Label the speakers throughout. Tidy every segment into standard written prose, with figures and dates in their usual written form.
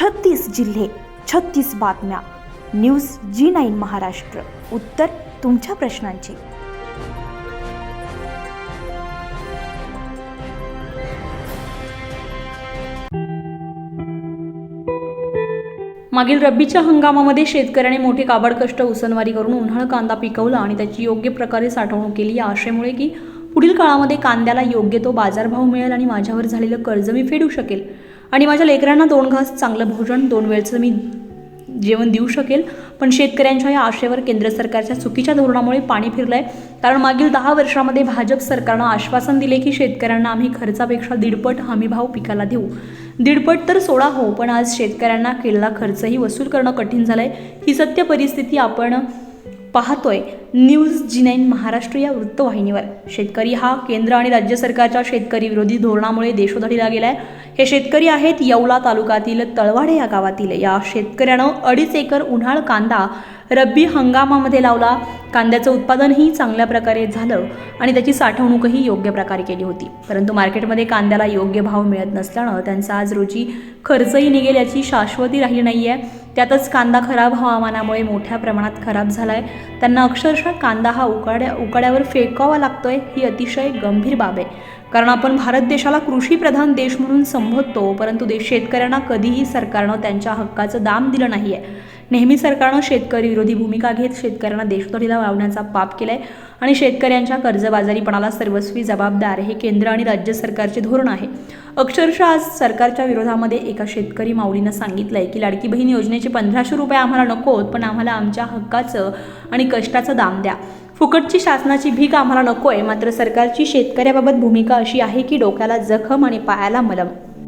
Speaker 1: 36 जिल्हे, 36 बातम्या. News G9 Maharashtra. उत्तर तुमच्या प्रश्नांची.
Speaker 2: मागील रब्बीच्या हंगामामध्ये शेतकऱ्याने मोठे काबाड कष्ट उसनवारी करून उन्हाळ कांदा पिकवला आणि त्याची योग्य प्रकारे साठवणूक केली. या आशेमुळे की पुढील काळामध्ये कांद्याला योग्य तो बाजारभाव मिळेल आणि माझ्यावर झालेलं कर्ज मी फेडू शकेल आणि माझ्या लेकरांना 2 घास चांगलं भोजन 2 वेळचं मी जेवण देऊ शकेल. पण शेतकऱ्यांच्या या आशेवर केंद्र सरकारच्या चुकीच्या धोरणामुळे पाणी फिरलंय. कारण मागील 10 वर्षामध्ये भाजप सरकारनं आश्वासन दिले की शेतकऱ्यांना आम्ही खर्चापेक्षा 1.5 हमीभाव पिकाला देऊ. 1.5 तर सोडा हो, पण आज शेतकऱ्यांना केलेला खर्चही वसूल करणं कठीण झालंय. ही सत्य परिस्थिती आपण पाहतोय न्यूज G9 महाराष्ट्र या वृत्तवाहिनीवर. शेतकरी हा केंद्र आणि राज्य सरकारच्या शेतकरी विरोधी धोरणामुळे देशोधडीला गेलाय. हे शेतकरी आहेत येवला तालुक्यातील तळवाडे या गावातील. या शेतकऱ्यानं 2.5 एकर उन्हाळ कांदा रब्बी हंगामामध्ये लावला. कांद्याचं उत्पादनही चांगल्या प्रकारे झालं आणि त्याची साठवणूकही योग्य प्रकारे केली होती. परंतु मार्केटमध्ये कांद्याला योग्य भाव मिळत नसल्यानं त्यांचा आज रोजी खर्चही निघेल याची शाश्वती राहिली नाही आहे. त्यातच कांदा खराब हवामानामुळे मोठ्या प्रमाणात खराब झाला आहे. त्यांना अक्षरशः कांदा हा उकाड्यावर फेकावा लागतोय. ही अतिशय गंभीर बाब आहे. कारण आपण भारत देशाला कृषीप्रधान देश म्हणून संबोधतो, परंतु शेतकऱ्यांना कधीही सरकारनं त्यांच्या हक्काचं दाम दिलं नाही आहे. नेहमी सरकारनं शेतकरी विरोधी भूमिका घेत शेतकऱ्यांना देशोधडीला लावण्याचा पाप केलाय आणि शेतकऱ्यांच्या कर्जबाजारीपणाला सर्वस्वी जबाबदार हे केंद्र आणि राज्य सरकारचे धोरण आहे. अक्षरशः आज सरकारच्या विरोधामध्ये एका शेतकरी माऊलीनं सांगितलंय की लाडकी बहीण योजनेचे 1500 रुपये आम्हाला नकोत, पण आम्हाला आमच्या हक्काचं आणि कष्टाचं दाम द्या. फुकटची शासनाची भीक आम्हाला नकोय. मात्र सरकारची शेतकऱ्याबाबत भूमिका अशी आहे की डोक्याला जखम आणि पायाला मलम.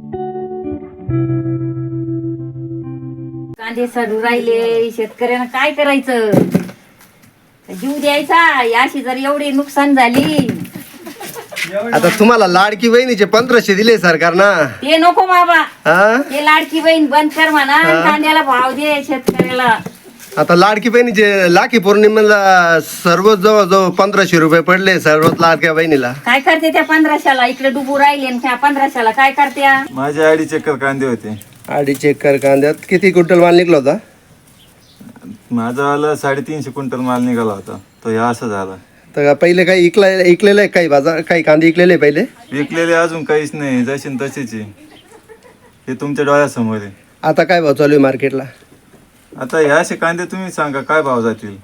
Speaker 3: कांदे सडू राहिले, शेतकऱ्यांना काय करायचं? जीव द्यायचा. याशी जर एवढी नुकसान झाली.
Speaker 4: आता तुम्हाला लाडकी बहिणीचे 1500 दिले सरकारनं.
Speaker 3: ते नको बाबा,
Speaker 4: हा?
Speaker 3: ते लाडकी बहीण बंद कर म्हणा. कांद्याला भाव दे शेतकऱ्याला.
Speaker 4: आता लाडकी बहिणीचे लाखी पौर्णिमेला सर्व जवळ 1500 रुपये पडले सर्वच लाडक्या बहिणीला.
Speaker 3: काय करते त्या 1500ला? इकडे डुबू राहिले आणि त्या 1500ला काय करत्या?
Speaker 5: माझे 2.5 एकर कांदे होते.
Speaker 4: 2.5 एकर कांद्यात किती क्विंटल माल निघला होता?
Speaker 5: माझा वाला 350 क्विंटल माल निघाला होता. तो ह्या असं झाला.
Speaker 4: तर पहिले काही इकलेलं आहे, काही बाजार काही कांदे इकलेले पहिले?
Speaker 5: विकलेले अजून काहीच नाही, जशीन तशीच आहे. हे तुमच्या डोळ्यासमोर आहे.
Speaker 4: आता काय भाव चालू आहे मार्केटला?
Speaker 5: आता ह्या असे कांदे तुम्ही सांगा काय भाव जातील?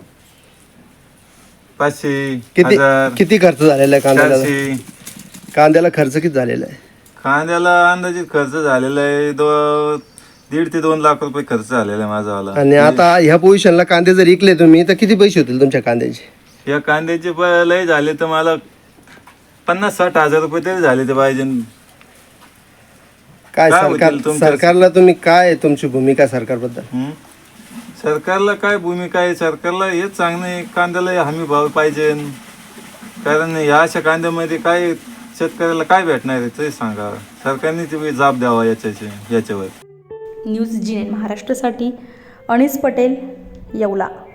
Speaker 5: 500,
Speaker 4: किती
Speaker 5: 1000,
Speaker 4: किती खर्च झालेला आहे कांद्याला?
Speaker 5: 400.
Speaker 4: कांद्याला खर्च किती झालेला आहे?
Speaker 5: कांद्याला अंदाजित खर्च झालेला आहे 1.5 ते 2 लाख रुपये खर्च झालेला आहे माझा वाला.
Speaker 4: आणि आता ह्या पोझिशनला कांदे जर इकले तुम्ही तर किती पैसे होतील तुमच्या कांद्याचे?
Speaker 5: या कांद्याचे लय झाले तर मला 50-60 हजार रुपये तरी झाले ते पाहिजे.
Speaker 4: काय
Speaker 5: काय होतील तुमच्या-
Speaker 4: सरकारला तुम्ही काय तुमची भूमिका सरकारबद्दल?
Speaker 5: सरकारला काय भूमिका आहे? सरकारला हेच सांगणं आहे, कांद्याला हमी भाव पाहिजे. कारण या अशा कांद्यामध्ये काय शेतकऱ्याला काय भेटणार आहे ते सांगा. सरकारने ते जाब द्यावा याच्यावर.
Speaker 2: न्यूज G9 महाराष्ट्रासाठी अनिस पटेल, येवला.